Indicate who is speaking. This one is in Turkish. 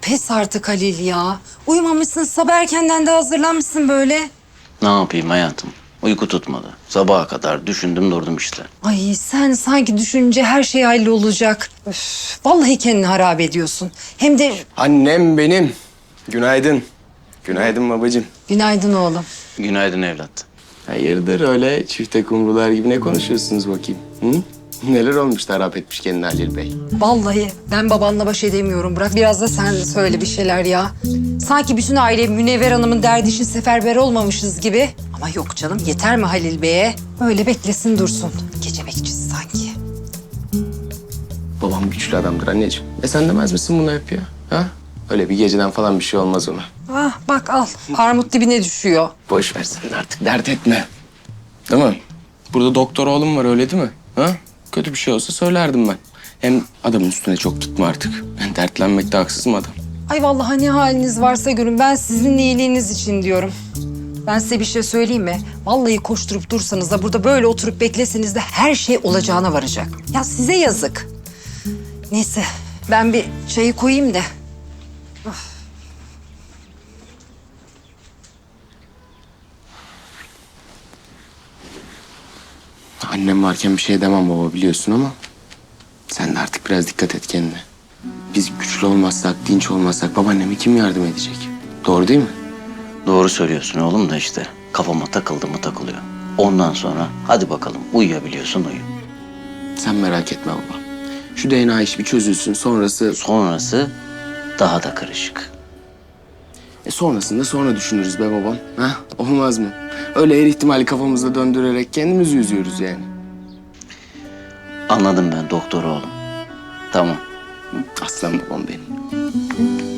Speaker 1: pes artık Halil ya. Uyumamışsın, sabah erkenden de hazırlanmışsın böyle.
Speaker 2: Ne yapayım hayatım? Uyku tutmadı. Sabaha kadar düşündüm durdum işte.
Speaker 1: Ay sen sanki düşününce her şey hallolacak. Üf, vallahi kendini harap ediyorsun. Hem de
Speaker 3: Annem benim. Günaydın. Günaydın babacığım.
Speaker 1: günaydın oğlum.
Speaker 2: Günaydın evlat.
Speaker 3: Hayırdır öyle çifte kumrular gibi ne konuşuyorsunuz bakayım? Hı? Neler olmuş da harap etmiş kendini Halil Bey?
Speaker 1: Vallahi ben babanla baş edemiyorum. Bırak biraz da sen söyle bir şeyler ya. Sanki bütün aile Münevver Hanım'ın derdi için seferber olmamışız gibi. Ama yok canım, yeter mi Halil Bey'e? Öyle beklesin dursun. Gece bekçisi sanki.
Speaker 3: Babam güçlü adamdır anneciğim. Sen demez misin bunu hep ya? Ha? Öyle bir geceden falan bir şey olmaz ona.
Speaker 1: Ah bak al, armut dibine düşüyor.
Speaker 3: Boş ver sen de artık dert etme. Değil mi? Burada doktor oğlum var öyle değil mi? Ha? Kötü bir şey olsa söylerdim ben. Hem adamın üstüne çok gitme artık. Ben dertlenmekte haksız mı adam?
Speaker 1: Ay vallahi ne haliniz varsa görün. Ben sizin iyiliğiniz için diyorum. Ben size bir şey söyleyeyim mi? Vallahi koşturup dursanız da burada böyle oturup bekleseniz de her şey olacağına varacak. Ya size yazık. Neyse ben bir çayı koyayım da.
Speaker 3: Annem varken bir şey demem baba biliyorsun ama... ...sen de artık biraz dikkat et kendine. Biz güçlü olmazsak, dinç olmazsak babaanneme kim yardım edecek? Doğru değil mi?
Speaker 2: Doğru söylüyorsun oğlum da işte. Kafama takıldı mı takılıyor. Ondan sonra hadi bakalım uyuyabiliyorsun uyu.
Speaker 3: Sen merak etme baba. Şu DNA işi bir çözülsün sonrası...
Speaker 2: Sonrası daha da karışık.
Speaker 3: sonrasında sonra düşünürüz be babam. Ha? Olmaz mı? Öyle her ihtimali kafamızda döndürerek kendimizi üzüyoruz yani.
Speaker 2: Anladım ben doktor oğlum. Tamam.
Speaker 3: Aslan babam benim.